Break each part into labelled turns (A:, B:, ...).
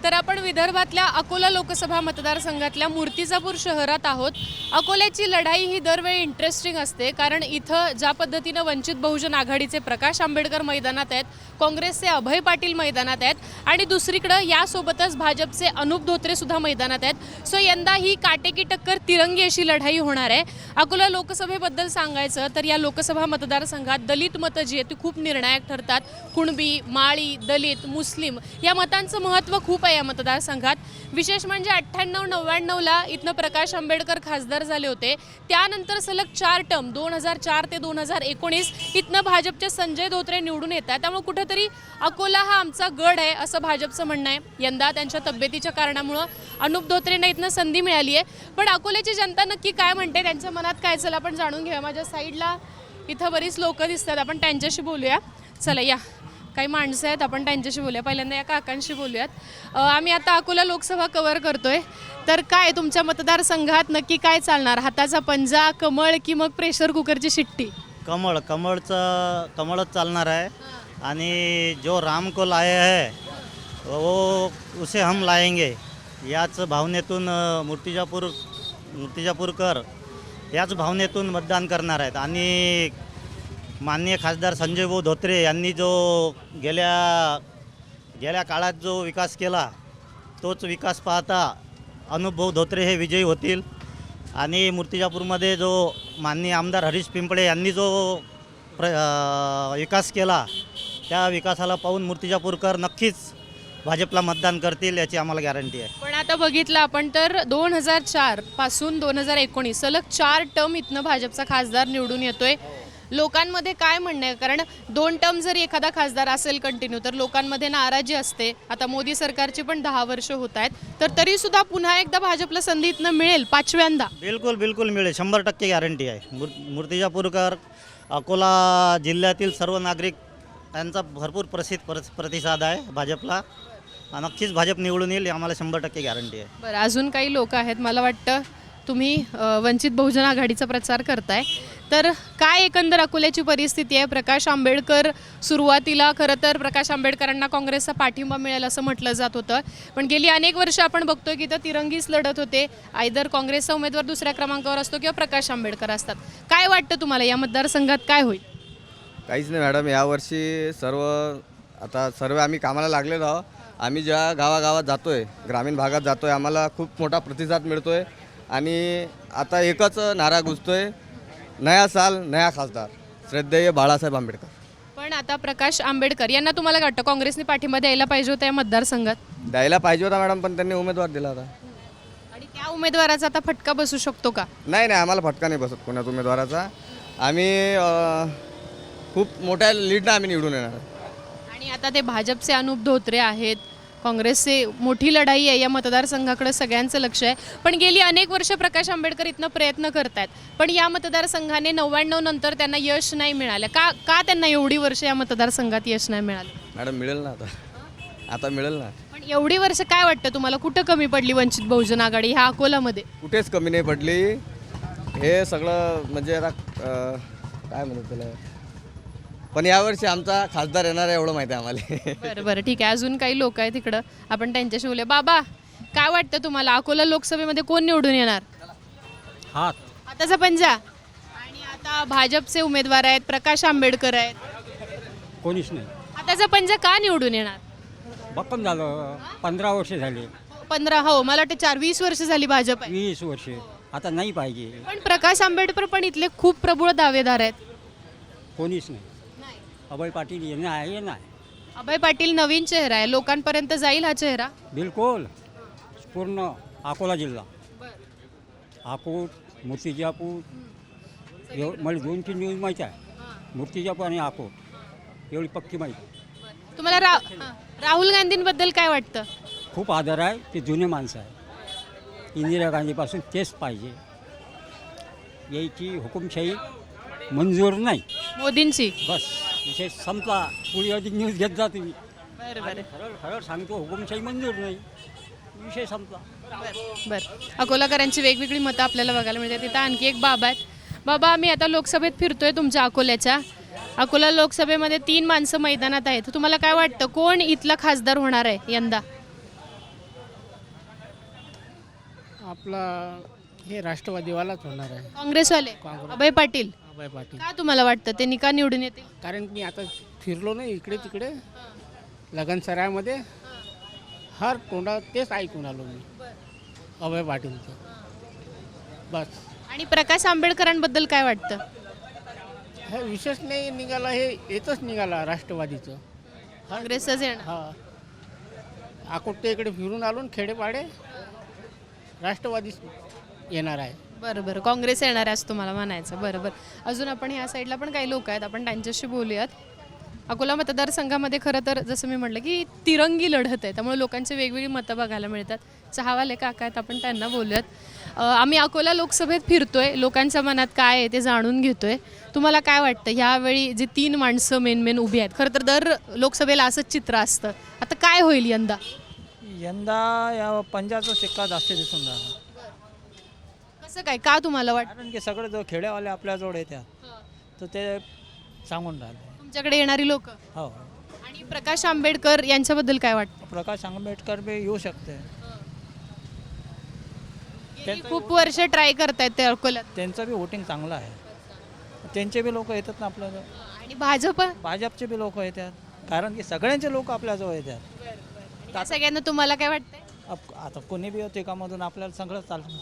A: तर आपण विदर्भातल्या अकोला लोकसभा मतदारसंघातल्या मूर्तिजापूर शहरात आहोत। अकोल्याची लढाई ही दरवेळी इंटरेस्टिंग असते, कारण इथं ज्या पद्धतीनं वंचित बहुजन आघाडीचे प्रकाश आंबेडकर मैदानात आहेत, काँग्रेसचे अभय पाटील मैदानात आहेत आणि दुसरीकडे यासोबतच भाजपचे अनुप धोत्रे सुद्धा मैदानात आहेत। सो यंदा ही काटेकी टक्कर तिरंगी अशी लढाई होणार आहे। अकोला लोकसभेबद्दल सांगायचं तर या लोकसभा मतदारसंघात दलित मतं जी आहेत ती खूप निर्णायक ठरतात। कुणबी, माळी, दलित, मुस्लिम या मतांचं महत्त्व खूप आहे या मतदारसंघात। विशेष म्हणजे 98-99ला इथनं प्रकाश आंबेडकर खासदार झाले होते। त्यानंतर सलग 4 टर्म 2004 ते 2019 इथनं भाजपचे संजय धोत्रे निवडून येतात। त्यामुळे कुठेतरी अकोला हा आमचा गड आहे असं भाजपचं म्हणणं आहे। यंदा त्यांच्या तब्येतीच्या कारणामुळे अनुप धोत्रेंना इथनं संधी मिळाली आहे, पण अकोल्याची जनता नक्की काय म्हणते, त्यांच्या मनात काय, चला आपण जाणून घेऊया। माझ्या साईडला इथं बरीच लोक दिसतात, आपण त्यांच्याशी बोलूया। चला या, काही माणसं आहेत, आपण त्यांच्याशी बोलूया। पहिल्यांदा या काकांशी बोलूयात। आम्ही आता अकोला लोकसभा कव्हर करतोय, तर काय तुमच्या मतदारसंघात नक्की काय चालणार? हाताचा पंजा, कमळ की मग प्रेशर कुकरची शिट्टी?
B: कमळच चालणार आहे। आणि जो राम को लाए है वो उसे हम लाएंगे याच भावनेतून मूर्तिजापूरकर याच भावनेतून मतदान करणार आहेत। आणि माननीय खासदार संजय भाऊ धोत्रे यांनी जो गेल्या काळात जो विकास केला तोच विकास पाहता अनुप भाऊ धोत्रे हे विजयी होतील। आणि मूर्तिजापूरमध्ये जो माननीय आमदार हरीश पिंपळे यांनी जो विकास केला त्या विकासाला पाहून मूर्तिजापूरकर नक्कीच भाजपला मतदान करतील याची आम्हाला गॅरंटी आहे।
A: पण आता बघितलं आपण तर 2004 पासून 2019 सलग 4 टर्म इथनं भाजपचा खासदार निवडून येतोय। लोकांमध्ये काय म्हणणं आहे, कारण 2 टर्म जरी एखादा खासदार असेल कंटिन्यू तर लोकांमध्ये नाराजी असते। आता मोदी सरकारची पण 10 वर्ष होत आहेत, तर तरी सुद्धा पुन्हा एकदा भाजपला संधी इथनं मिळेल 5व्यांदा?
B: बिलकुल मिळेल, 100% गॅरंटी आहे। मूर्तिजापूरकर अकोला जिल्ह्यातील सर्व नागरिक यांचा भरपूर प्रतिसाद आहे भाजपला। नक्कीच भाजप निवडून येईल, आम्हाला 100% गॅरंटी आहे।
A: बरं, अजून काही लोक आहेत, मला वाटतं तुम्ही वंचित बहुजन आघाडीचा प्रचार करताय, तर काय एकंदर अकोल्याची परिस्थिती आहे? प्रकाश आंबेडकर सुरुवातीला खरं तर प्रकाश आंबेडकरांना काँग्रेसचा पाठिंबा मिळेल असं म्हटलं जात होतं, पण गेली अनेक वर्ष आपण बघतोय की तर तिरंगीच लढत होते। आयदर काँग्रेसचा उमेदवार दुसऱ्या क्रमांकावर असतो किंवा प्रकाश आंबेडकर असतात। काय वाटतं तुम्हाला या मतदारसंघात काय होईल?
C: काहीच नाही मॅडम, यावर्षी सर्व आम्ही कामाला लागलेलो आहोत। आम्ही ज्या गावागावात जातो आहे, ग्रामीण भागात जातो आहे, आम्हाला खूप मोठा प्रतिसाद मिळतो आहे। आणि आता एकच नारा गुंजतो आहे, नया साल नया खासदार श्रद्धेय बाळासाहेब आंबेडकर।
A: पण आता प्रकाश आंबेडकर यांना तुम्हाला काय वाटतं, काँग्रेसने पाठिंबा द्यायला पाहिजे होता या मतदारसंघात?
C: द्यायला पाहिजे होता मॅडम, पण त्यांनी उमेदवार दिला होता।
A: आणि त्या उमेदवाराचा आता फटका बसू शकतो का?
C: नाही, आम्हाला फटका नाही बसत कोणाच उमेदवाराचा। आम्ही खूप मोठ्या लीडनं आम्ही निवडून येणार।
A: आणि आता ते भाजपचे अनुप धोत्रे आहेत, काँग्रेसचे मोठी लढाई आहे या मतदारसंघाकडे सगळ्यांचं लक्ष आहे। पण गेली अनेक वर्ष प्रकाश आंबेडकर इथनं प्रयत्न करतात, पण या मतदारसंघाने 99 नंतर त्यांना यश नाही मिळालं। का त्यांना एवढी वर्ष या मतदारसंघात यश नाही मिळालं?
C: मॅडम मिळेल ना, आता मिळेल ना।
A: पण एवढी वर्ष काय वाटतं तुम्हाला, कुठं कमी पडली वंचित बहुजन आघाडी ह्या अकोलामध्ये? कुठेच
C: कमी नाही पडली। हे सगळं म्हणजे आता काय म्हणतात त्याला, पण यावर्षी आमचा खासदार येणार आहे एवढं माहिती आहे आम्हाला।
A: बरं ठीक आहे, अजून काही लोक आहेत तिकडं, आपण त्यांच्याशी बोलूया। बाबा, काय वाटतं तुम्हाला, अकोला लोकसभेमध्ये कोण निवडून येणार? हाताचा पंजा। आणि आता भाजपचे उमेदवार आहेत, प्रकाश आंबेडकर आहेत,
D: कोणीच नाही।
A: हाताचा पंजा का निवडून येणार?
D: भक्कम झालं, 15 वर्ष झाले,
A: 15, हो मला वाटतं 20 वर्ष झाली भाजप आहे।
D: 20 वर्ष, आता नाही पाहिजे।
A: पण प्रकाश आंबेडकर पण इथले खूप प्रबळ दावेदार आहेत।
D: कोणीच नाही। अभय पाटील ये ना।
A: अभय पाटील नवीन चेहरा आहे, लोकांपर्यंत जाईल हा चेहरा?
D: बिलकुल, पूर्ण अकोला जिल्हा, अकोट, मूर्तिजापूर, मला 2-3 न्यूज माहीत आहे। मूर्तिजापूर आणि अकोट एवढी पक्की माहिती।
A: तुम्हाला राहुल गांधींबद्दल काय वाटतं?
D: खूप आदर आहे, ते जुने माणसं आहे। इंदिरा गांधीपासून तेच पाहिजे, याची हुकुमशाही मंजूर नाही,
A: मोदींची।
D: बस विषय संपला। पुढे अधिक न्यूज घेत जा तुम्ही।
A: बरं
D: खरं सांगतो, हुकुमशाही मंजूर नाही, विषय संपला।
A: बरं, अकोलाकरांची वेगवेगळी मतं आपल्याला बघायला मिळतात। तिथं आणखी एक बाबा आहेत। बाबा, आम्ही आता लोकसभेत फिरतोय तुमच्या अकोल्याच्या। अकोला लोकसभेमध्ये 3 माणसं मैदानात आहेत, तुम्हाला काय वाटतं कोण इथला खासदार होणार आहे यंदा?
E: आपला हे राष्ट्रवादीवालाच होणार आहे.
A: काँग्रेसवाले
E: काँग्रेस.
A: अभय पाटील
E: अभय पाटील.
A: का तुम्हाला वाटतं ते निका निवडून येतील?
E: कारण मी आता फिरलो नाही इकडे तिकडे लगनसरायमध्ये, हर तोंडा तेच ऐकून आलो मी अभय पाटीलचं. बस
A: आणि प्रकाश आंबेडकरांबद्दल काय वाटतं?
E: हे विशेष नाही निघाला, हे येतच निघाला राष्ट्रवादीचं.
A: काँग्रेसच येणार.
E: हा अकोटच्या इकडे फिरून आलो न खेडेपाडे राष्ट्रवादीच येणार आहे.
A: बरं बरं, काँग्रेस येणार आहे असं तुम्हाला म्हणायचं. बरं बरं, अजून आपण ह्या साईडला पण काही लोक आहेत, आपण त्यांच्याशी बोलूयात. अकोला मतदारसंघामध्ये खरं तर जसं मी म्हटलं की तिरंगी लढत आहे, त्यामुळे लोकांचे वेगवेगळी मतं बघायला मिळतात. चहावाले काका आहेत, आपण त्यांना बोलूयात. आम्ही अकोला लोकसभेत फिरतोय, लोकांच्या मनात काय आहे ते जाणून घेतोय. तुम्हाला काय वाटतं ह्यावेळी जे 3 माणसं मेन उभी आहेत? खरं तर दर लोकसभेला असंच चित्र असतं, आता काय होईल यंदा?
F: यंदा या पंजाचा शिक्का जास्त दिसून राहिला.
A: कसं काय, का तुम्हाला वाटतं?
F: कारण की सगळे जो खेड्यावाले आपल्याजवळ येतात तर ते सांगून राहिले.
A: तुमच्याकडे येणारी लोक
F: हो,
A: आणि प्रकाश आंबेडकर यांच्याबद्दल काय वाटतं?
F: प्रकाश आंबेडकर बी येऊ शकते.
A: गेली खूप वर्ष ट्राय करतायत ते अकोल्यात.
F: त्यांचं बी वोटिंग चांगलं आहे, त्यांचे बी लोक येतात ना आपल्याजवळ.
A: आणि भाजप
F: भाजपचे बी लोक येतात, कारण की सगळ्यांचे लोक आपल्याजवळ येतात.
A: या सगळ्यांना तुम्हाला काय वाटतंय?
F: आता कोणी बी येते कामातून आपल्याला सगळं चालतं,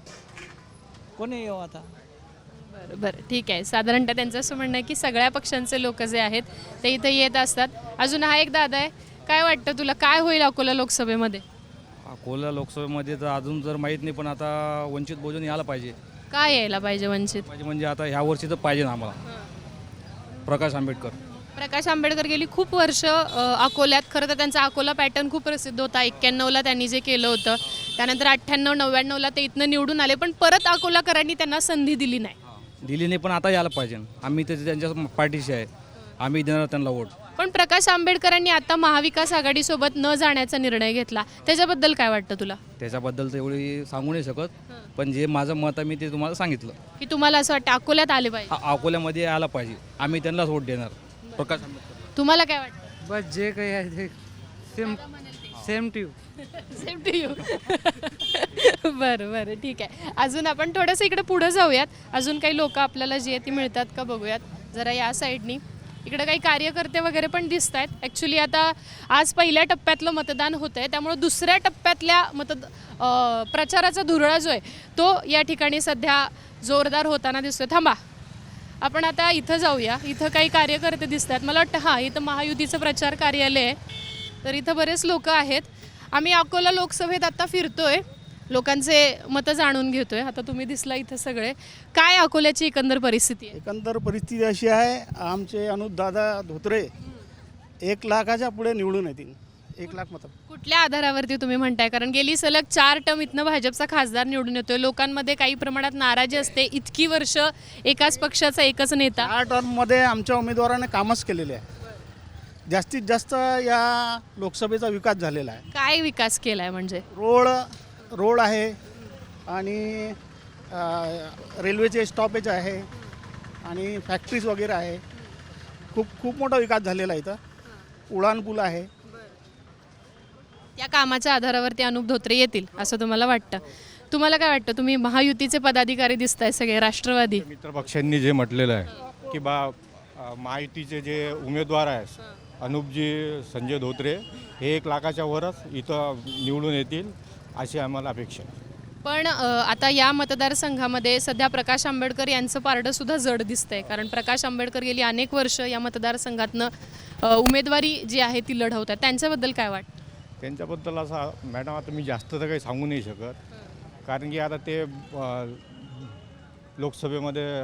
F: कोणी येऊ आता.
A: बरं बरं, ठीक आहे. साधारणतः त्यांचं असं म्हणणं आहे की सगळ्या पक्षांचे लोक जे आहेत ते इथं येत असतात. अजून हा एक दादा आहे, काय वाटतं तुला, काय होईल अकोला लोकसभेमध्ये?
G: अकोला लोकसभेमध्ये तर अजून जर माहीत नाही, पण आता वंचित बहुजन यायला पाहिजे.
A: काय यायला पाहिजे वंचित?
G: म्हणजे आता ह्या वर्षी तर पाहिजे ना आम्हाला प्रकाश आंबेडकर.
A: प्रकाश आंबेडकर गेली खूप वर्ष अकोल्यात, खरं तर त्यांचा अकोला पॅटर्न खूप प्रसिद्ध होता. 91ला त्यांनी जे केलं होतं, त्यानंतर 98, 99ला ते इथनं निवडून आले, पण परत अकोलाकरांनी त्यांना संधी दिली नाही.
G: दिली नाही, पण आता यायला पाहिजे. आम्ही तर त्यांच्या पाठीशी आहे, आम्ही देणार त्यांना वोट.
A: पण प्रकाश आंबेडकरांनी आता महाविकास आघाडीसोबत न जाण्याचा निर्णय घेतला, त्याच्याबद्दल काय वाटतं तुला?
G: त्याच्याबद्दल तर एवढी सांगू नाही शकत, पण जे माझं मत आहे मी ते तुम्हाला सांगितलं.
A: की तुम्हाला असं वाटतं अकोल्यात आले पाहिजे?
G: अकोल्यामध्ये यायला पाहिजे, आम्ही त्यांनाच वोट देणार प्रकाश आंबेडकर.
A: तुम्हाला काय वाटतं?
H: बस जे काही आहे ते same to
A: same to you. बरं बरं, ठीक आहे. अजून आपण थोडंसं इकडे पुढे जाऊयात, अजून काही लोक आपल्याला जी आहे ती मिळतात का बघूयात जरा या साईडनी. इकडे काही कार्यकर्ते वगैरे पण दिसत आहेत. ॲक्च्युली आता आज पहिल्या टप्प्यातलं मतदान होतं आहे, त्यामुळं दुसऱ्या टप्प्यातल्या प्रचाराचा धुरळा जो आहे तो या ठिकाणी सध्या जोरदार होताना दिसतोय. थांबा, आपण आता इथं जाऊया. इथं काही कार्यकर्ते दिसत आहेत, मला वाटतं हां इथं महायुतीचं प्रचार कार्यालय आहे, तर इथं बरेच लोक आहेत. आम्ही अकोला लोकसभेत आता फिरतोय, लोकांचे मतं जाणून घेतोय. आता तुम्ही दिसला इथं सगळे, काय अकोल्याची एकंदर परिस्थिती आहे?
I: एकंदर परिस्थिती अशी आहे, आमचे अनुपदादा धोत्रे 1 लाखाच्या पुढे निवडून येतील. 1 लाख मतं.
A: कुठल्या आधारावरती तुम्ही म्हणताय? कारण गेली सलग 4 टर्म इथनं भाजपचा खासदार निवडून येतोय, लोकांमध्ये काही प्रमाणात नाराजी असते. इतकी वर्ष एकाच पक्षाचा एकच नेता.
I: 8 टर्ममध्ये आमच्या उमेदवाराने कामच केलेले आहे. जास्तीत जास्त या लोकसभेचा विकास झालेला आहे.
A: काय विकास केलाय म्हणजे?
I: रोड आहे आणि रेल्वेचे स्टॉपेज आहे आणि फॅक्टरीज वगैरे आहे. खूप मोठा विकास झालेला आहे. इथं उडान पूल आहे.
A: या कामाच्या आधारावरती अनुप धोत्रे येतील असं तुम्हाला वाटतं? तुम्हाला काय वाटतं? तुम्ही महायुतीचे पदाधिकारी दिसताय सगळे, राष्ट्रवादी
J: मित्रपक्षांनी जे म्हटलेलं आहे की महायुतीचे जे उमेदवार आहेत अनुपजी संजय धोत्रे हे 1 लाखाच्या वरच इथं निवडून येतील अशी आम्हाला अपेक्षा आहे.
A: पण आता या मतदारसंघामध्ये सध्या प्रकाश आंबेडकर यांचं पारडं सुद्धा जड दिसतंय, कारण प्रकाश आंबेडकर गेली अनेक वर्ष या मतदारसंघातनं उमेदवारी जी आहे ती लढवत आहेत. त्यांच्याबद्दल काय वाटतं?
J: त्यांच्याबद्दल असा मॅडम आता मी जास्त तर काही सांगू नाही शकत, कारण की आता ते लोकसभेमध्ये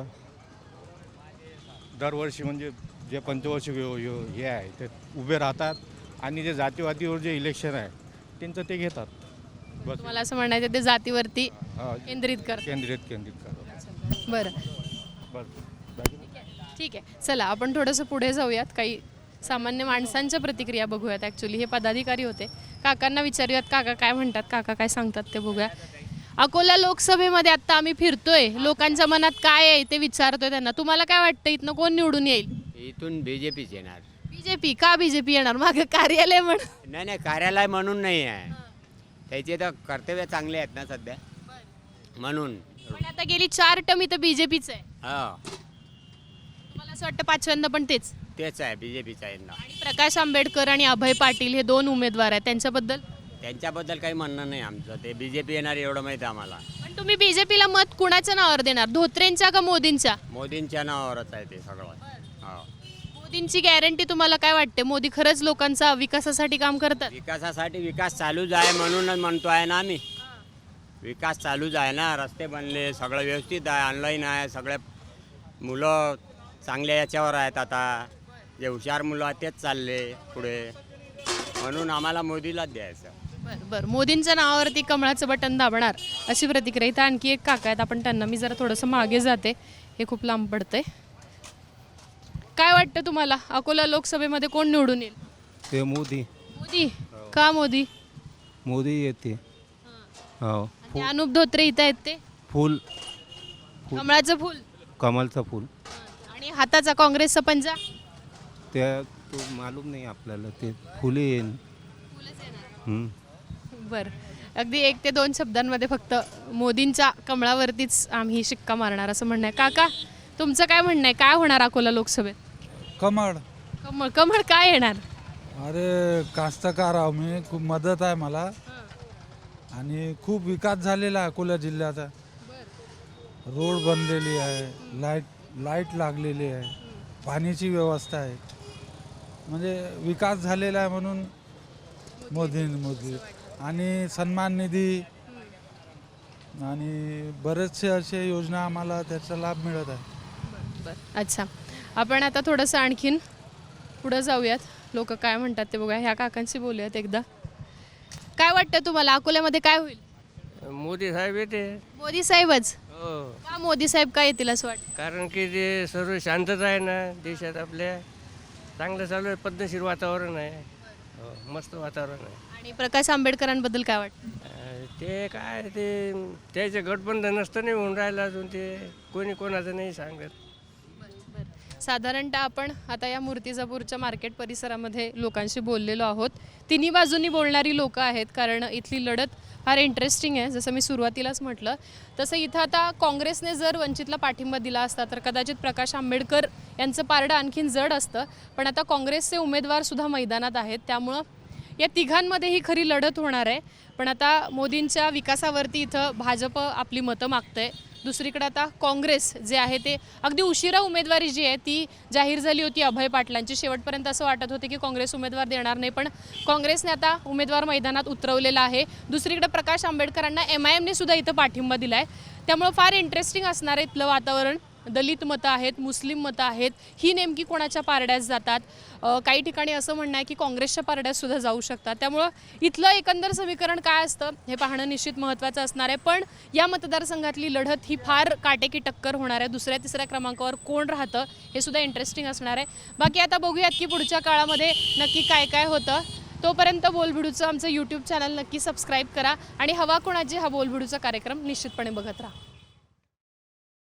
J: दरवर्षी म्हणजे जे पंचवर्षीय हे आहे ते उभे राहतात आणि जे जातीवादीवर जे इलेक्शन आहे त्यांचं ते घेतात. बस
A: मला असं म्हणायचं ते जातीवरती केंद्रित
J: करतात.
A: बरं,
J: बस
A: ठीक आहे. चला आपण थोडंसं पुढे जाऊयात, काही सामान्य माणसांच्या प्रतिक्रिया बघूयात. ॲक्च्युली हे पदाधिकारी होते, काकांना विचारूयात काका काय म्हणतात, काका काय सांगतात ते बघूया. अकोला लोकसभेमध्ये आत्ता आम्ही फिरतोय, लोकांच्या मनात काय आहे ते विचारतोय त्यांना. तुम्हाला काय वाटतं इथनं कोण निवडून येईल?
K: इथून बीजेपीच येणार.
A: बीजेपी का? बीजेपी येणार मागं कार्यालय म्हणून?
K: नाही कार्यालय म्हणून नाही आहे, त्याचे तर कर्तव्य चांगले आहेत ना सध्या. म्हणून
A: पण आता गेली 4 टर्म इथं बीजेपीच आहे.
K: हा
A: तुम्हाला असं वाटतं पाचव्यांदा पण तेच?
K: तेच आहे बी जे पीचा यंदा.
A: आणि प्रकाश आंबेडकर आणि अभय पाटील हे 2 उमेदवार आहेत, त्यांच्याबद्दल?
K: त्यांच्याबद्दल काही म्हणणं नाही आमचं. ते बी जे पी येणार एवढं माहिती आहे आम्हाला.
A: पण तुम्ही बीजेपीला मत कुणाच्या नावावर देणार, धोत्रेंच्या का मोदींच्या?
K: मोदींच्या नावावरच आहे ते सगळं. हा
A: मोदींची गॅरंटी तुम्हाला काय वाटते? मोदी खरंच लोकांचा विकासासाठी काम करतात?
K: विकासासाठी विकास चालूच आहे म्हणूनच म्हणतो आहे ना आम्ही. विकास चालूच आहे ना, रस्ते बनले, सगळं व्यवस्थित आहे, ऑनलाईन आहे, सगळे मुलं चांगल्या याच्यावर आहेत. आता जे हुशार मुलं आहेत तेच चालले पुढे, म्हणून आम्हाला मोदीलाच द्यायचं.
A: बरं बरं, मोदींच्या नावावरती कमळाचं बटन दाबणार अशी प्रतिक्रिया. इथं आणखी एक काका आहेत, आपण त्यांना, मी जरा थोडंसं मागे जाते, हे खूप लांब पडतंय. काय वाटतं तुम्हाला, अकोला लोकसभेमध्ये कोण निवडून येईल?
G: ते मोदी.
A: मोदी का? मोदी
G: येते. हो.
A: आणि अनुप धोत्रे इथं आहेत ते
G: फूल
A: कमळाचं फूल
G: कमलचं फूल
A: आणि हाताचा काँग्रेसचा पंजा.
G: त्या तो मालूम नाही आपल्याला, ते फुले येईल.
A: बरं, अगदी 1 ते 2 शब्दांमध्ये फक्त मोदींच्या कमळावरतीच आम्ही शिक्का मारणार असं म्हणणं आहे. काका, तुमचं काय म्हणणं आहे, काय होणार अकोला लोकसभेत?
H: कमळ.
A: कमळ. कमळ काय येणार?
H: अरे कास्तकार आहो मी, खूप मदत आहे मला आणि खूप विकास झालेला आहे अकोला जिल्ह्याचा. रोड बनलेली आहे, लाईट लागलेली आहे, पाण्याची व्यवस्था आहे, म्हणजे विकास झालेला आहे म्हणून मोदी आणि सन्मान निधी आणि बरेचसे असे योजना आम्हाला त्याचा लाभ मिळत आहे.
A: अच्छा, आपण आता थोडंसं आणखीन पुढं जाऊयात, लोक काय म्हणतात ते बघा. ह्या काकांशी बोलूयात एकदा. काय वाटतं तुम्हाला, अकोल्यामध्ये काय होईल?
E: मोदी साहेब येते.
A: मोदी साहेबच
E: हो,
A: का? मोदी साहेब काय येतील असं वाटतं?
E: कारण की ते सर्व शांतता आहे ना देशात आपल्या, चांगलं चालू आहे, पद्धतशीर वातावरण आहे. हो, मस्त वातावरण आहे.
A: आणि प्रकाश आंबेडकरांबद्दल काय वाटतं?
E: ते काय ते त्याचे गठबंधन नसतं नाही होऊन राहिलं अजून, ते कोणी कोणाचं नाही सांगत.
A: साधारणतः आपण आता या मूर्तिजापूरच्या मार्केट परिसरामध्ये लोकांशी बोललेलो आहोत. तिन्ही बाजूंनी बोलणारी लोकं आहेत, कारण इथली लढत फार इंटरेस्टिंग आहे. जसं मी सुरुवातीलाच म्हटलं तसं इथं आता काँग्रेसने जर वंचितला पाठिंबा दिला असता तर कदाचित प्रकाश आंबेडकर यांचं पारडं आणखीन जड असतं. पण आता काँग्रेसचे उमेदवारसुद्धा मैदानात आहेत, त्यामुळं या तिघांमध्ये ही खरी लढत होणार आहे. पण आता मोदींच्या विकासावरती इथं भाजप आपली मतं मागतंय. दुसरीकडे आता काँग्रेस जे आहे ते अगदी उशिरा उमेदवारी जी आहे ती जाहीर झाली होती अभय पाटलांची. शेवटपर्यंत असं वाटत होते की काँग्रेस उमेदवार देणार नाही, पण काँग्रेसने आता उमेदवार मैदानात उतरवलेला आहे. दुसरीकडे प्रकाश आंबेडकरांना MIMने सुद्धा इथं पाठिंबा दिला आहे. त्यामुळं फार इंटरेस्टिंग असणार आहे इथलं वातावरण. दलित मतं आहेत, मुस्लिम मतं आहेत, ही नेमकी कोणाच्या पारड्यात जातात. काही ठिकाणी असं म्हणणं आहे की काँग्रेसच्या पारड्यातसुद्धा जाऊ शकतात. त्यामुळं इथलं एकंदर समीकरण काय असतं हे पाहणं निश्चित महत्त्वाचं असणार आहे. पण या मतदारसंघातली लढत ही फार काटेकी टक्कर होणार आहे. 2ऱ्या-3ऱ्या क्रमांकावर कोण राहतं हे सुद्धा इंटरेस्टिंग असणार आहे. बाकी आता बघूयात की पुढच्या काळामध्ये नक्की काय काय होतं. तोपर्यंत बोलभिडूचं आमचं YouTube चॅनल नक्की सबस्क्राईब करा आणि हवा कोणाची हा बोलभिडूचा कार्यक्रम निश्चितपणे बघत राहा.